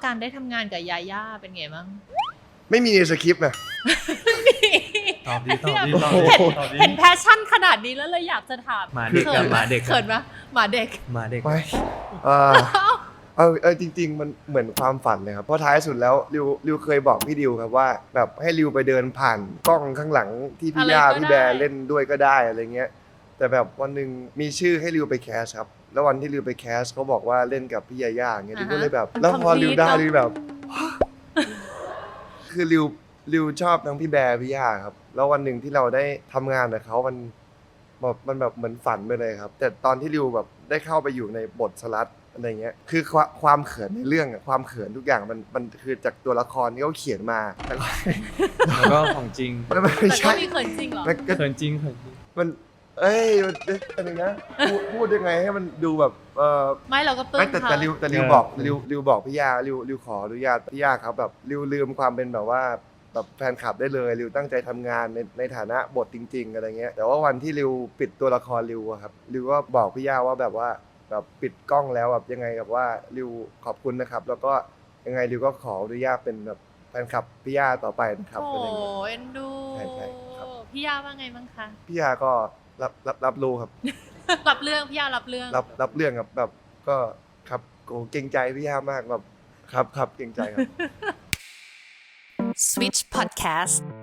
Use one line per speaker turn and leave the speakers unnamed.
การได้ทำงานกับยาย่าเป็นไงบ้าง
ไม่มีในสคริปต์นะ
ตอบดี
เห็นแพชชั่นขนาดนี้แล้วเลยอยากจะถาม
หมาเด็กกับหมาเด็ก
เขินปะหมาเด็ก
ไม่จริงๆมันเหมือนความฝันเลยครับเพราะท้ายสุดแล้วริวเคยบอกพี่ดิวครับว่าแบบให้ริวไปเดินผ่านกล้องข้างหลังที่พี่ย่าพี่แบร์เล่นด้วยก็ได้อะไรเงี้ยแต่แบบวันหนึ่งมีชื่อให้ริวไปแคสครับแล้ววันที่ริวไปแคสเขาบอกว่าเล่นกับพี่ยาย่าอย่างเงี้ยริวก็เลยแบบแล้วพอริวได้ริวแบบคือริวชอบทั้งพี่แบร์พี่ย่าครับแล้ววันหนึ่งที่เราได้ทำงานกับเขามันแบบเหมือนฝันไปเลยครับแต่ตอนที่ริวแบบได้เข้าไปอยู่ในบทสลัดอะไรเงี้ยคือความเขินในเรื่องความเขินทุกอย่างมันคือจากตัวละครที่เขาเขียนมา
แล้วก็ของจริง
ไม่ใช่
มีเขินจริงเหรอ
เขินจริง
มันอะไรนะพูดยังไงให้มันดูแบบ
ไม่เราก็ปลื้ม
แต่ริวบอกพี่ย่าริวขออนุญาตพี่ย่าครับแบบริวลืมความเป็นแบบว่าแบบแฟนคลับได้เลยริวตั้งใจทำงานในฐานะบทจริงๆอะไรเงี้ยแต่ว่าวันที่ริวปิดตัวละครริวอะครับริวก็บอกพี่ย่าว่าแบบว่าแบบปิดกล้องแล้วแบบยังไงแบบว่าริวขอบคุณนะครับแล้วก็ยังไงริวก็ขออนุญาตเป็นแบบแฟนคลับพี่ย่าต่อไปนะครับ
โอ้เอ็นดู
ใช่ครับ
พี่ย่าว่าไงบ้างคะ
พี่ย่าก็รับรู้ครับ
รับเรื่องพี่ย่ารับเรื่อง
รับเรื่องครับแบบก็ครับโเกรงใจพี่ย่ามากแบบครับเกรงใจครับ
Switch Podcast